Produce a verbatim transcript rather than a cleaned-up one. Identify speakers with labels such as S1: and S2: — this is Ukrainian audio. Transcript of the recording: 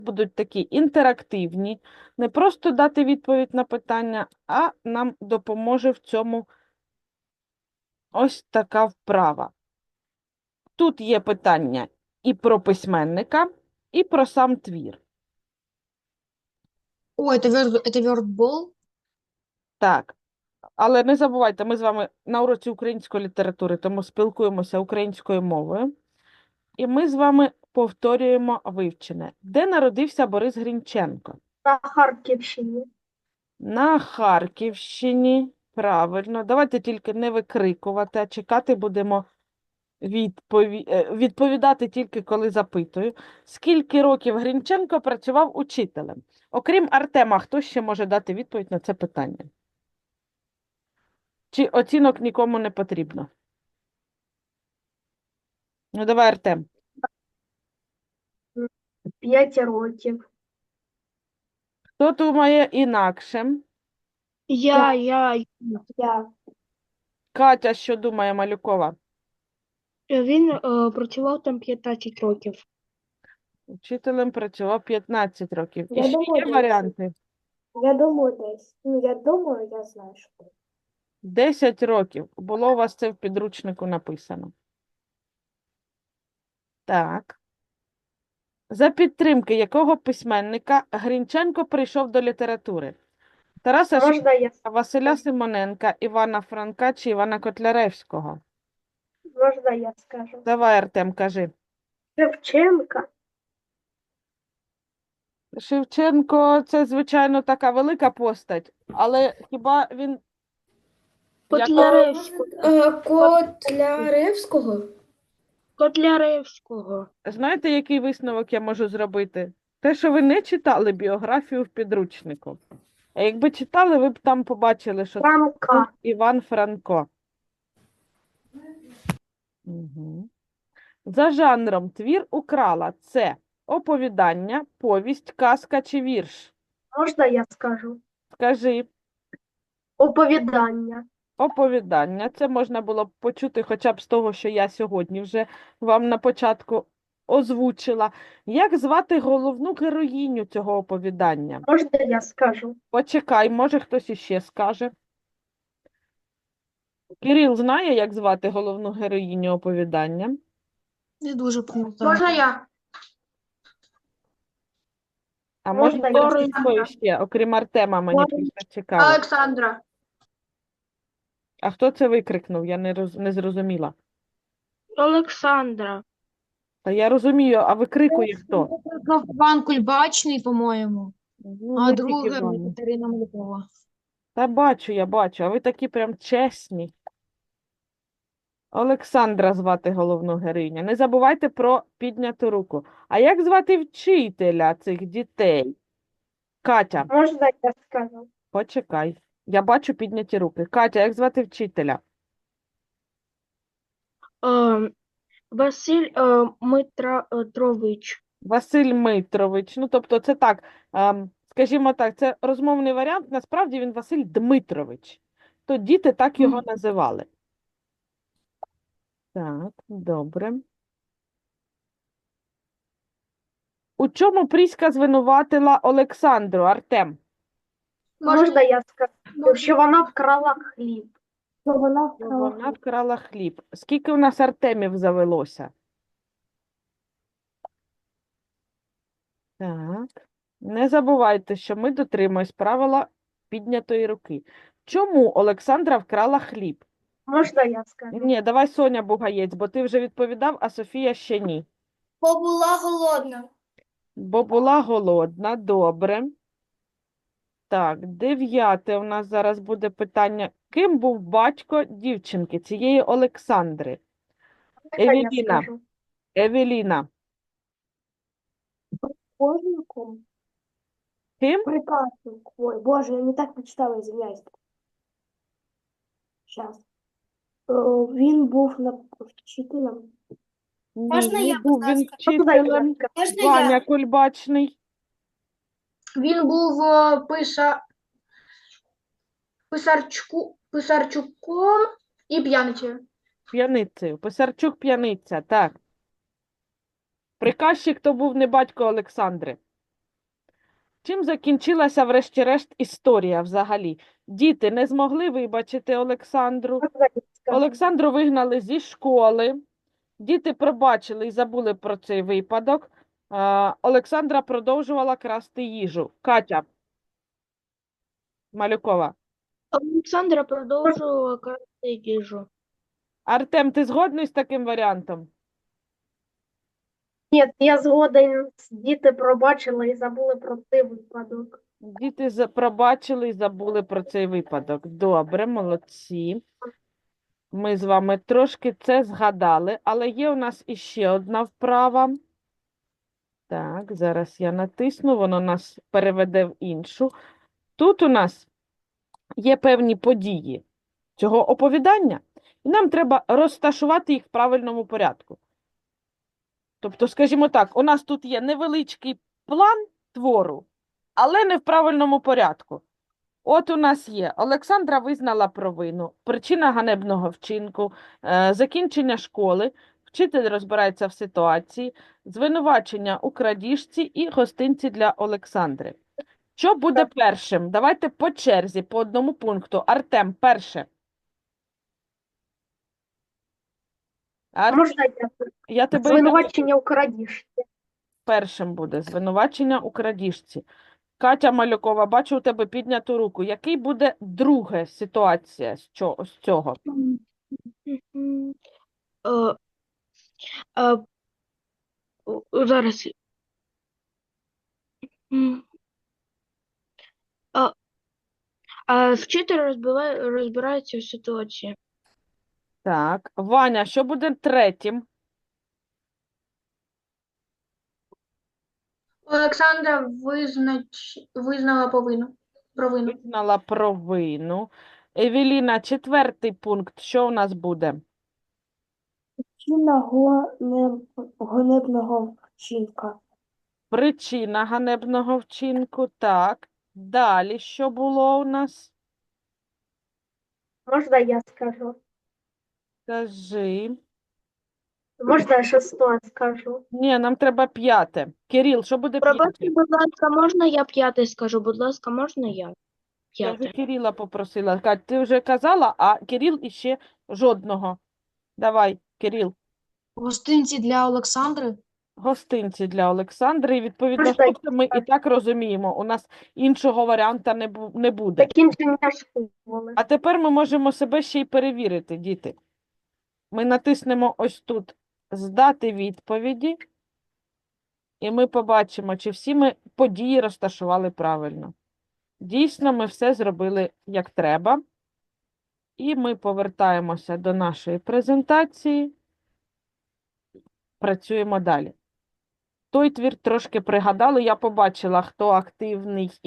S1: будуть такі інтерактивні, не просто дати відповідь на питання, а нам допоможе в цьому ось така вправа. Тут є питання і про письменника, і про сам твір.
S2: О, это, верд, это вёртбол?
S1: Так, але не забувайте, ми з вами на уроці української літератури, тому спілкуємося українською мовою. І ми з вами повторюємо вивчене. Де народився Борис Грінченко?
S3: На Харківщині.
S1: На Харківщині. Правильно. Давайте тільки не викрикувати, а чекати будемо відпові... е, відповідати тільки коли запитую. Скільки років Грінченко працював учителем? Окрім Артема, хто ще може дати відповідь на це питання? Чи оцінок нікому не потрібно? Ну, давай, Артем.
S3: П'ять років.
S1: Хто думає інакше?
S2: Я, я.
S3: Я.
S1: Катя, що думає Малюкова?
S2: Він е, працював там п'ятнадцять років.
S1: Учителем працював п'ятнадцять років. І
S3: Я
S1: ще
S3: думаю,
S1: є
S3: десь.
S1: варіанти?
S3: Я думаю, десь. Ну, я думаю, я знаю, що.
S1: десять років. Було у вас це в підручнику написано. Так. За підтримки якого письменника Грінченко прийшов до літератури? Тараса
S3: Можна я,
S1: Шевченка, Василя Симоненка, Івана Франка чи Івана Котляревського?
S3: можна я скажу?
S1: Давай, Артем, кажи.
S3: Шевченка.
S1: Шевченко – це, звичайно, така велика постать, але хіба він...
S2: Котляревського.
S4: Е, Котляревського?
S2: Котляревського.
S1: Знаєте, який висновок я можу зробити? Те, що ви не читали біографію в підручнику. А якби читали, ви б там побачили, що це був
S3: Франка.
S1: Іван Франко. Угу. За жанром твір украла – це оповідання, повість, казка чи вірш?
S3: Можна я скажу?
S1: Скажи.
S3: Оповідання.
S1: Оповідання. Це можна було б почути хоча б з того, що я сьогодні вже вам на початку озвучила. Як звати головну героїню цього оповідання?
S3: Можна я скажу?
S1: Почекай, може хтось іще скаже. Кирил знає, як звати головну героїню оповідання?
S2: Не дуже пам'ятаю.
S4: Можна я?
S1: А
S3: Можна
S1: може
S3: я
S1: хтось
S3: скажу?
S1: ще, окрім Артема, мені
S3: Можна.
S1: просто цікаво.
S4: Олександра.
S1: А хто це викрикнув? Я не, роз... не зрозуміла.
S2: Олександра.
S1: Та я розумію, а викрикує хто?
S2: Пан Кульбачний, по-моєму.
S1: Ну,
S2: А
S1: не тільки
S2: друге
S1: Ваня.
S2: Катерина Малюкова.
S1: Та бачу, я бачу, а ви такі прям чесні. Олександра звати головну героїню. Не забувайте про підняту руку. А як звати вчителя цих дітей? Катя,
S3: Можна я скажу?
S1: почекай. Я бачу підняті руки. Катя, як звати вчителя?
S2: Е, Василь е, Митрович.
S1: Василь Митрович. Ну, тобто це так, ем, скажімо так, це розмовний варіант. Насправді він Василь Дмитрович. То діти так його
S2: Мгм.
S1: називали. Так, добре. У чому Пріська звинуватила Олександру, Артем?
S3: Можна я скажу? Що вона вкрала хліб. Що вона
S1: Що Вона вкрала хліб. Скільки у нас Артемів завелося? Так. Не забувайте, що ми дотримуємось правила піднятої руки. Чому Олександра вкрала хліб?
S3: Можна я скажу?
S1: Ні, давай Соня Бугаєць, бо ти вже відповідав, а Софія ще ні.
S4: Бо була голодна.
S1: Бо була голодна, добре. Так, дев'яте у нас зараз буде питання. Ким був батько дівчинки, цієї Олександри?
S3: Можна я
S1: Евеліна.
S3: скажу?
S1: Евеліна.
S3: Художником?
S1: Ким?
S3: Приказчик. Ой, боже, я не так прочитала, извиняюсь. Сейчас. Він був на вчителем.
S1: Ні,
S4: Можна
S1: не
S4: я,
S1: був
S4: будь
S1: він
S4: ласка?
S1: вчителем.
S4: Можна
S1: Ваня
S4: я?
S1: Кульбачний.
S4: Він був е, писа... писарчуку... писарчуком і п'яницею.
S1: П'яницею. Писарчук п'яниця, так. Приказчик то був не батько Олександри. Чим закінчилася, врешті-решт, історія взагалі? Діти не змогли вибачити Олександру.
S3: Можна я скажу?
S1: Олександру вигнали зі школи. Діти пробачили і забули про цей випадок. А, Олександра продовжувала красти їжу. Катя Малюкова.
S2: Олександра продовжувала красти їжу.
S1: Артем, ти згодний з таким варіантом?
S3: Ні, я згоден, діти пробачили і забули про цей випадок.
S1: Діти за- пробачили і забули про цей випадок. Добре, молодці. Ми з вами трошки це згадали, але є у нас іще одна вправа. Так, зараз я натисну, воно нас переведе в іншу. Тут у нас є певні події цього оповідання, і нам треба розташувати їх в правильному порядку. Тобто, скажімо так, у нас тут є невеличкий план твору, але не в правильному порядку. От у нас є Олександра визнала провину, причина ганебного вчинку, е, закінчення школи, вчитель розбирається в ситуації, звинувачення у крадіжці і гостинці для Олександри. Що буде першим? Давайте по черзі, по одному пункту. Артем, перше. Ар...
S3: Можна я
S1: Я тебе
S3: звинувачення у крадіжці?
S1: першим буде. Звинувачення у крадіжці. Катя Малюкова, бачу у тебе підняту руку. Який буде друга ситуація з цього? З цього?
S2: Мгм. Е, е, о, Зараз. М. А, а вчитель розбиває, розбирається в ситуації.
S1: Так. Ваня, що буде третім?
S4: Олександра визнач... визнала повину. Провину.
S1: Визнала провину. Евеліна, четвертий пункт. Що у нас буде?
S3: Причина ганебного вчинка.
S1: Причина ганебного вчинку. Так. Далі що було у нас?
S3: Можна я скажу?
S1: Скажи.
S3: Можна я шосте скажу?
S1: Ні, нам треба п'яте. Кирил, що буде
S2: Пробачте,
S1: п'яте?
S2: будь ласка, можна я п'ятий скажу? Будь ласка, можна я?
S1: Я вже
S2: П'яте.
S1: Кирила попросила. Кать, ти вже казала, а Кирил іще жодного. Давай, Кирил.
S5: Гостинці для Олександри.
S1: Гостинці для Олександри. І відповідно,
S3: Можна
S1: що це ми і так розуміємо. У нас іншого варіанта не, бу- не буде.
S3: Закінчення школи.
S1: А тепер ми можемо себе ще й перевірити, діти. Ми натиснемо ось тут «Здати відповіді», і ми побачимо, чи всі ми події розташували правильно. Дійсно, ми все зробили як треба. І ми повертаємося до нашої презентації. Працюємо далі. Той твір трошки пригадали, я побачила, хто активний